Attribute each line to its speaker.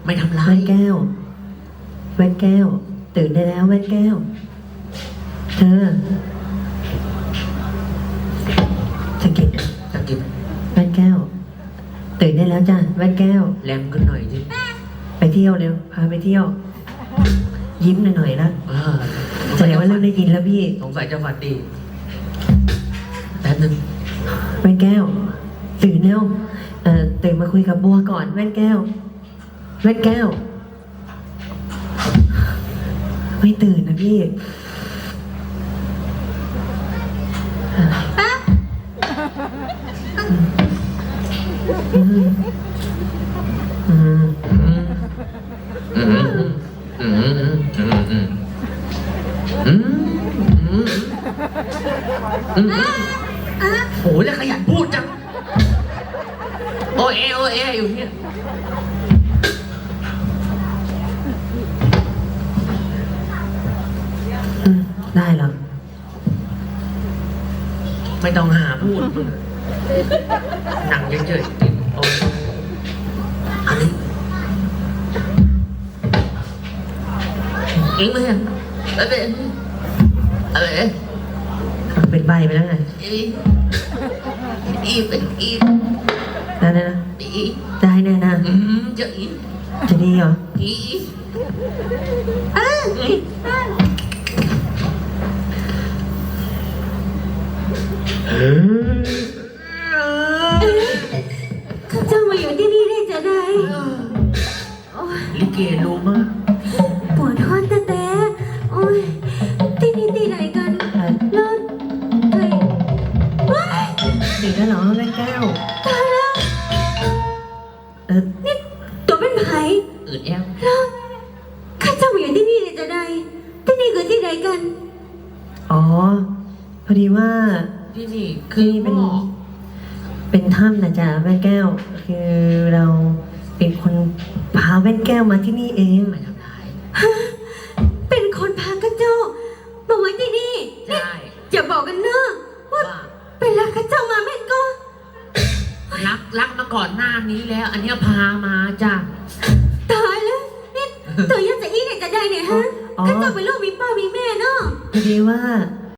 Speaker 1: ไม่ทำร้าย
Speaker 2: แว่นแก้วแว่นแก้วตื่นได้แล้วแว่นแก้วเธอสะกิด
Speaker 1: ตะกิบ
Speaker 2: แว่นแก้วตื่นได้แล้วจ้ะแว่นแก้ว
Speaker 1: แรงขึ้นหน่อยสิ
Speaker 2: ไปเที่ยวเร็วพาไปเที่ยว ยิ้มหน่อยๆนะ
Speaker 1: เออ
Speaker 2: แสดงว่าเริ่มได้ยินแล้วพี่
Speaker 1: สงสัยจะฝันดีแป๊บนึง
Speaker 2: แว่นแก้วตื่นแล้วตื่นมาคุยกับบัวก่อนแว่นแก้วแว่นแก้วไม่ตื่นนะพี่อืมอืม
Speaker 1: อืมอืมอืมอืมอืมอืมอืมอืมโหแล้วขยันพูดจังโอเอโอเออยู่เนี่ย
Speaker 2: ได้เหรอ
Speaker 1: ไม่ต้องหาพูดมึงหนังเฉยๆติดโอ้ยอันนี้อิงเลยอะไรอะไร
Speaker 2: เป็นใบไปแล้วไง
Speaker 1: อีเป็นอี
Speaker 2: ได้นะ
Speaker 1: อี
Speaker 2: ได้แน่นะ
Speaker 1: จะอี
Speaker 2: จะดีเหรอ
Speaker 1: อี
Speaker 3: ข้าเจ้ามาอยู่ที่นี่ได้จะได้โอ้ย
Speaker 1: ลิเกรู้มาก
Speaker 3: ปวดท้องแต่โอ้ยที่นี่ที่ไหนกันรถเฮ้ยว้าย
Speaker 2: ตื่นแล้วเหรอแม่แก้ว
Speaker 3: ตายแล้ว นี่ตัวเป็นไผ่
Speaker 1: อืดแอว
Speaker 3: แล้วข้าเจ้ามาอยู่ที่นี่ได้จะได้ที่นี่คือที่ไหนกัน
Speaker 2: อ๋อพอดีว่า
Speaker 1: ที่นี่คือ
Speaker 2: เป็น
Speaker 1: หมอ
Speaker 2: เป็นถ้ำนะจ๊ะแม่แก้ว คือเราเป็นคนพาแว่นแก้วมาที่นี่เอง
Speaker 1: ไม่ทำร้าย
Speaker 3: ฮะเป็นคนพาข้าเจ้ามาไว้ที่นี่
Speaker 1: ใช่
Speaker 3: อย่าบอกกันเนอะว่า
Speaker 1: ว่า
Speaker 3: เป็นรักข้าเจ้ามาแม่นก็
Speaker 1: รักมาก่อนหน้านี้แล้ว อันเนี้ยพามาจ้ะ
Speaker 3: ตายแล้วนี่ตัวยังจะอีเนี่ยจะได้เนี่ยฮะ
Speaker 2: อ๋อ
Speaker 3: ข้าเจ้าเป็นลูกมีป้ามีแม่เนาะ
Speaker 2: พอดีว่า